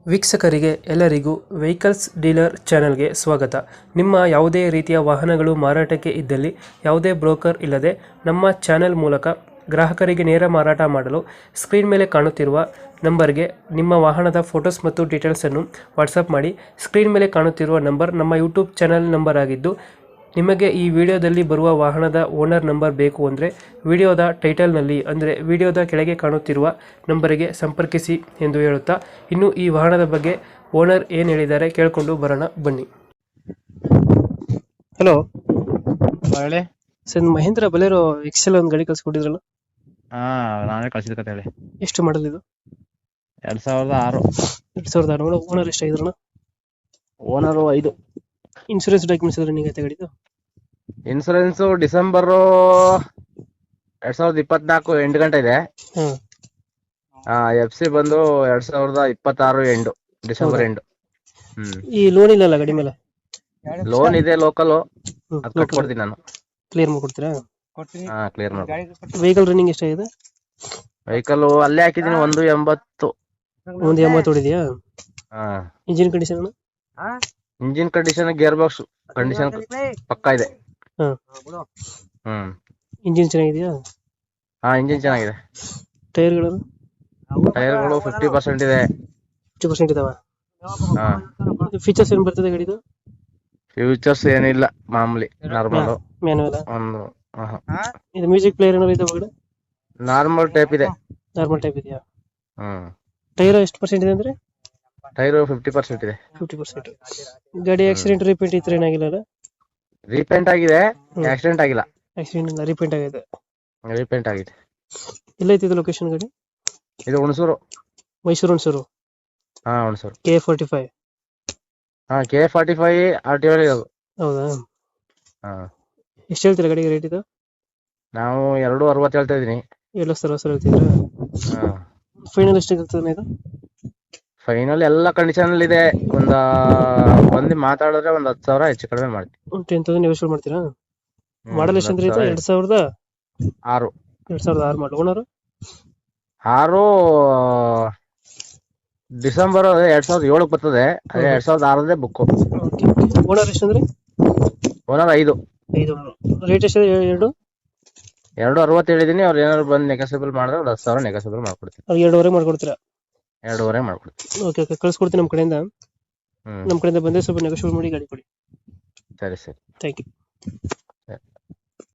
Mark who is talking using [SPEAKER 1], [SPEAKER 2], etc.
[SPEAKER 1] ವೀಕ್ಷಕರಿಗೆ ಎಲ್ಲರಿಗೂ vehicles dealer ಚಾನೆಲ್ಗೆ ಸ್ವಾಗತ. ನಿಮ್ಮ ಯಾವುದೇ ರೀತಿಯ ವಾಹನಗಳು ಮಾರಾಟಕ್ಕೆ ಇದ್ದಲ್ಲಿ ಯಾವುದೇ ಬ್ರೋಕರ್ ಇಲ್ಲದೆ ನಮ್ಮ ಚಾನೆಲ್ ಮೂಲಕ ಗ್ರಾಹಕರಿಗೆ ನೇರ ಮಾರಾಟ ಮಾಡಲು ಸ್ಕ್ರೀನ್ ಮೇಲೆ ಕಾಣುತ್ತಿರುವ ನಂಬರ್ಗೆ ನಿಮ್ಮ ವಾಹನದ ಫೋಟೋಸ್ ಮತ್ತು ಡೀಟೇಲ್ಸನ್ನು ವಾಟ್ಸಪ್ ಮಾಡಿ. ಸ್ಕ್ರೀನ್ ಮೇಲೆ ಕಾಣುತ್ತಿರುವ ನಂಬರ್ ನಮ್ಮ ಯೂಟ್ಯೂಬ್ ಚಾನೆಲ್ ನಂಬರ್ ಆಗಿದ್ದು, ನಿಮಗೆ ಈ ವಿಡಿಯೋದಲ್ಲಿ ಬರುವ ವಾಹನದ ಓನರ್ ನಂಬರ್ ಬೇಕು ಅಂದರೆ ವಿಡಿಯೋದ ಟೈಟಲ್ನಲ್ಲಿ ಅಂದರೆ ವಿಡಿಯೋದ ಕೆಳಗೆ ಕಾಣುತ್ತಿರುವ ನಂಬರಿಗೆ ಸಂಪರ್ಕಿಸಿ ಎಂದು ಹೇಳುತ್ತಾ, ಇನ್ನು ಈ ವಾಹನದ ಬಗ್ಗೆ ಓನರ್ ಏನು ಹೇಳಿದ್ದಾರೆ ಕೇಳಿಕೊಂಡು ಬರೋಣ ಬನ್ನಿ. ಹಲೋ
[SPEAKER 2] ಹೇಳಿ.
[SPEAKER 1] ಸರ್, ಮಹೇಂದ್ರ ಬಲೇರೋ ಎಕ್ಸೆಲ್ ಒಂದು ಗಾಡಿ ಕಳ್ಸಿಕೊಟ್ಟಿದ್ರಲ್ಲ,
[SPEAKER 2] ಹಾ, ನಾನೇ ಕಳ್ಸಿದ ಕತೆ ಹೇಳಿ.
[SPEAKER 1] ಎಷ್ಟು ಮಾಡಲ್ ಇದು?
[SPEAKER 2] 2006.
[SPEAKER 1] 2006. ಓನರ್ ಎಷ್ಟಾಗಿದ್ರಣ?
[SPEAKER 2] ಓನರು 5.
[SPEAKER 1] ಇನ್ಶೂರೆನ್ಸ್ ಡಾಕ್ಯುಮೆಂಟ್ಸ್ ಇದ್ರೆ ನಿಮಗೆ ಗಾಡಿದು?
[SPEAKER 2] ಇನ್ಸೂರೆನ್ಸ್ ಡಿಸೆಂಬರ್ 2024 ಎಂಟು ಗಂಟೆ ಇದೆ.
[SPEAKER 1] ಹಾಂ.
[SPEAKER 2] FC ಬಂದು 2026 ಎಂಡು, ಡಿಸೆಂಬರ್ ಎಂಡು.
[SPEAKER 1] ಈ ಲೋನ್ ಇಲ್ಲಲ್ಲ ಗಾಡಿ ಮೇಲೆ?
[SPEAKER 2] ಲೋನ್ ಇದೆ, ಲೋಕಲ್. ಅದು ಕಟ್ಕೊಡ್ತೀನಿ ನಾನು.
[SPEAKER 1] ಕ್ಲಿಯರ್ ಮಾಡ್ಕೊಡ್ತೀರಾ?
[SPEAKER 2] ಹಾ, ಕ್ಲಿಯರ್ ಮಾಡಿ.
[SPEAKER 1] ವೆಹಿಕಲ್ ರನ್ನಿಂಗ್ ಎಷ್ಟಾಗಿದೆ?
[SPEAKER 2] ವೆಹಿಕಲ್ ಅಲ್ಲೇ ಹಾಕಿದೀನಿ 180.
[SPEAKER 1] 180 ಹೊಡಿದೆಯಾ?
[SPEAKER 2] ಹಾ.
[SPEAKER 1] Engine condition?
[SPEAKER 2] Engine condition, gear box condition pakka ಇದೆ.
[SPEAKER 1] ಇಂಜಿನ್ ಚೆನ್ನಾಗಿದೆಯಾ?
[SPEAKER 2] ಹಾ, ಇಂಜಿನ್ ಚೆನ್ನಾಗಿದೆ.
[SPEAKER 1] ಟೈರ್ಗಳು?
[SPEAKER 2] ಟೈರ್ಗಳು 50% ಇದೆ.
[SPEAKER 1] 50% ಇದಾವ?
[SPEAKER 2] ಹಾ.
[SPEAKER 1] ಫೀಚರ್ಸ್ ಏನು ಬರ್ತದೆ ಗಾಡಿದು?
[SPEAKER 2] ಫ್ಯೂಚರ್ಸ್ ಏನಿಲ್ಲ, ಮಾಮೂಲಿ ನಾರ್ಮಲ್.
[SPEAKER 1] ಮ್ಯಾನುವಲ್?
[SPEAKER 2] ಒಂದು
[SPEAKER 1] ಇದು ಮ್ಯೂಸಿಕ್ ಪ್ಲೇಯರ್ ಏನಾದ್ರು ಇದೆ ಒಳಗಡೆ?
[SPEAKER 2] ನಾರ್ಮಲ್ ಟೈಪ್ ಇದೆ.
[SPEAKER 1] ನಾರ್ಮಲ್ ಟೈಪ್ ಇದೆಯಾ? ಟೈರ್ ಎಷ್ಟು ಪರ್ಸೆಂಟ್ ಇದೆ ಅಂದ್ರೆ?
[SPEAKER 2] ಟೈರ್ 50% ಇದೆ.
[SPEAKER 1] 50%. ಗಾಡಿ ಆಕ್ಸಿಡೆಂಟ್ ರಿಪೇಂಟ್ ಈ ತರ ಏನಾಗಿಲ್ಲ?
[SPEAKER 2] ರೀಪೇಂಟ್ ಆಗಿದೆ, ಆಕ್ಸಿಡೆಂಟ್ ಆಗಿಲ್ಲ.
[SPEAKER 1] ಆಕ್ಸಿಡೆಂಟ್ ಇಲ್ಲ, ರಿಪೇಂಟ್ ಆಗಿದೆ.
[SPEAKER 2] ರೀಪೇಂಟ್ ಆಗಿದೆ.
[SPEAKER 1] ಎಲ್ಲೈತಿ ಇದು ಲೊಕೇಶನ್ ಗಾಡಿ?
[SPEAKER 2] ಇದು ಹುಣಸೂರು.
[SPEAKER 1] ಮೈಸೂರು ಹುಣಸೂರು?
[SPEAKER 2] ಹಾ, ಹುಣಸೂರು.
[SPEAKER 1] K45?
[SPEAKER 2] ಹಾ, K45 RTO ಇದು.
[SPEAKER 1] ಹೌದಾ?
[SPEAKER 2] ಹಾ.
[SPEAKER 1] ಎಷ್ಟು ಹೇಳ್ತೀರಾ ಗಾಡಿಗೆ ರೇಟ್ ಇದು?
[SPEAKER 2] ನಾವು 260 ಹೇಳ್ತಾ ಇದೀನಿ.
[SPEAKER 1] 7,60,000 ಹೇಳ್ತಿದ್ರಾ?
[SPEAKER 2] ಹಾ.
[SPEAKER 1] ಫೈನಲ್ ಎಷ್ಟಿಗೆ ಆಗ್ತದೆ ಇದು?
[SPEAKER 2] ಫೈನಲ್ ಎಲ್ಲ ಕಂಡೀಷನ್ ಅಲ್ಲಿ ಇದೆ. ಬಂದು ಮಾತಾಡಿದ್ರೆ 10,000 ಹೆಚ್ಚು ಕಡಿಮೆ ಮಾಡ್ತೀವಿ.
[SPEAKER 1] 10,000 ನೆಗೋಷಿಯೇಟ್ ಮಾಡ್ತೀರಾ? ಮಾಡಲ್ ಎಷ್ಟು ಅಂದ್ರೆ ಇದು? 2006? 2006 ಮಾಡಲ್. ಓನರ್?
[SPEAKER 2] 6 ಡಿಸೆಂಬರ್ 2007 ಬರ್ತದೆ. ಅದೇ 2006 ಬುಕ್.
[SPEAKER 1] ಓನರ್ ಎಷ್ಟು ಅಂದ್ರೆ?
[SPEAKER 2] ಓನರ್ 5.
[SPEAKER 1] ರೇಟ್ ಎಷ್ಟು?
[SPEAKER 2] 260 ಹೇಳಿದೀನಿ. ಅವ್ರು ಏನಾದ್ರು ಬಂದು ನೆಗೋಸಿಯಬಲ್ ಮಾಡಿದ್ರೆ 10,000 ನೆಗೋಸಿಯಬಲ್ ಮಾಡ್ಕೊಡ್ತೀನಿ.
[SPEAKER 1] 2.5 ಮಾಡ್ಕೊಡ್ತೀರಾ?
[SPEAKER 2] 2.5 ಮಾಡ್ಕೊಡ್ತೀನಿ.
[SPEAKER 1] ಓಕೆ, ಕಳ್ಸ್ಕೊಡ್ತೀನಿ ನಮ್ಮ ಕಡೆಯಿಂದ. ನಮ್ಮ ಕಡೆಯಿಂದ ಬಂದರೆ ಸ್ವಲ್ಪ ನೆಗೋಷಿಯೇಟ್ ಮಾಡಿ ಗಾಡಿ ಕೊಡಿ.
[SPEAKER 2] ಸರಿ.
[SPEAKER 1] Thank you.